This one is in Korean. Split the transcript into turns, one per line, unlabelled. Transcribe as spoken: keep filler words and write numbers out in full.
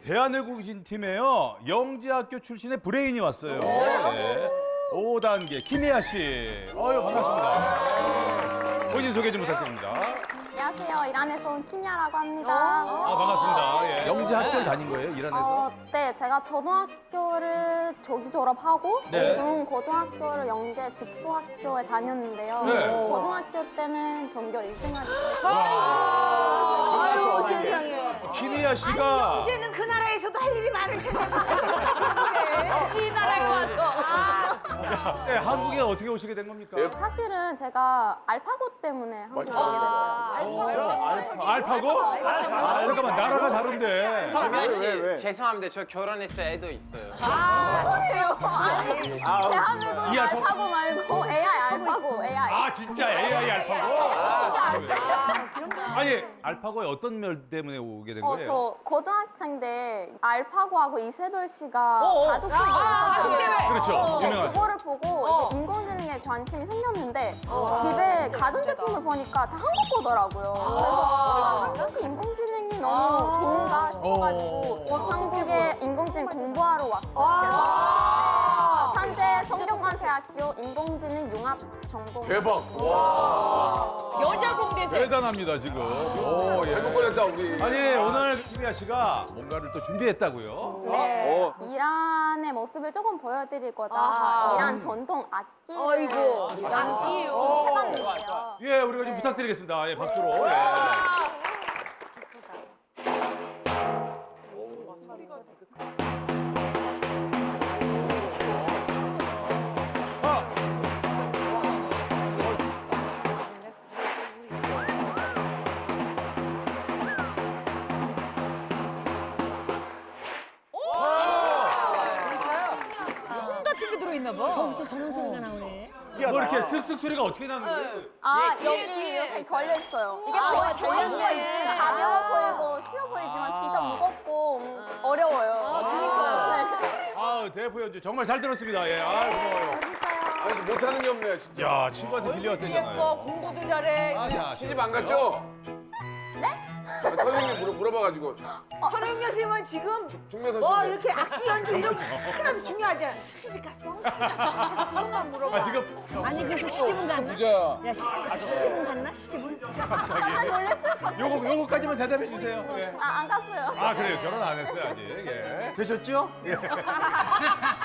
대한외국인 팀에요. 영재학교 출신의 브레인이 왔어요. 네. 오 단계 김희아 씨. 어유 반갑습니다. 본인 소개 좀 부탁드립니다.
안녕하세요. 이란에서 온 키미아라고 합니다.
아 반갑습니다. 예. 영재학교를 다닌 거예요, 이란에서?
어, 네, 제가 초등학교를 저기 졸업하고
네.
중 고등학교를 영재 직수학교에 다녔는데요.
네.
고등학교 때는 전교 일 등 하기
아유 세상에.
김희아 씨가
이제는 그 나라에서도 할 일이 많을 텐데. 굳이 이 나라에 와서.
네, 한국에 어떻게 오시게 된 겁니까?
사실은 제가 알파고 때문에 한국에 오게 됐어요.
알파고? 아, 잠깐만 나라가 다른데.
김현 씨, 죄송합니다. 저 결혼했어요. 애도 있어요.
그래요? 아니, 대한민국
이 알파고?
알파고 말고 에이아이 알파고, 에이아이.
아 진짜 에이아이 알파고?
진짜 알파고.
아니 알파고의 어떤 면 때문에 오게 된
어,
거예요?
저 고등학생 때 알파고하고 이세돌 씨가
어, 어.
바둑 대회를 있었어요.
그렇죠.
네,
유명한.
그거를 보고 이제 인공지능에 관심이 생겼는데 집에 가전제품을 보니까 다 한국 거더라고요. 그래서 아, 한국 인공지능이 너무 좋은가 싶어가지고 한국에 인공지능 공부하러 왔어요. 그래서 현재 성균관대학교 인공지능 융합 전공.
대박.
여자 공대생.
대단합니다 지금. 오, 예.
잘못 걸렸다 우리.
아니 오늘 김희아 씨가 뭔가를 또 준비했다고요?
네, 이란의 모습을 조금 보여드리고자
아하.
이란 전통 악기를
아이고,
준비해봤는데요.
예, 우리가 좀 부탁드리겠습니다. 예, 박수로. 예.
콩 같은 게 들어있나 봐. 저기서 저런 소리가 나오네.
뭐 이렇게 슥슥 소리가 어떻게 나는 거예요?
아, 여기 이렇게 걸려있어요. 이게 보여, 달렸네. 가벼워 보이고 쉬워 보이지만 진짜 무겁고 음, 어려워요. 그러니까.
아, 대표 연주 정말 잘 들었습니다. 예, 아, 고마워요.
아니 못하는 게 없네 진짜.
야, 친구한테
예뻐,
밀려왔대잖아요.
공부도 잘해.
자,
시집 안 갔죠? 네? 선생님이 물어, 물어봐가지고
선영 교수님은 지금
중매선
뭐
씨.
이렇게 악기 연주 이런 거 하나도 중요하지 않아. 시집 갔어? 시집 갔어? 그것만 물어봐.
아, 지금
아니 그래서 시집은 갔나?
부자야.
야 시, 시집은 갔나? 시집은?
깜짝 놀랐어요.
요거 요거까지만 대답해 주세요. 예.
아, 안 갔어요.
아, 그래요. 결혼 안 했어요, 아직. 예. 되셨죠? 예.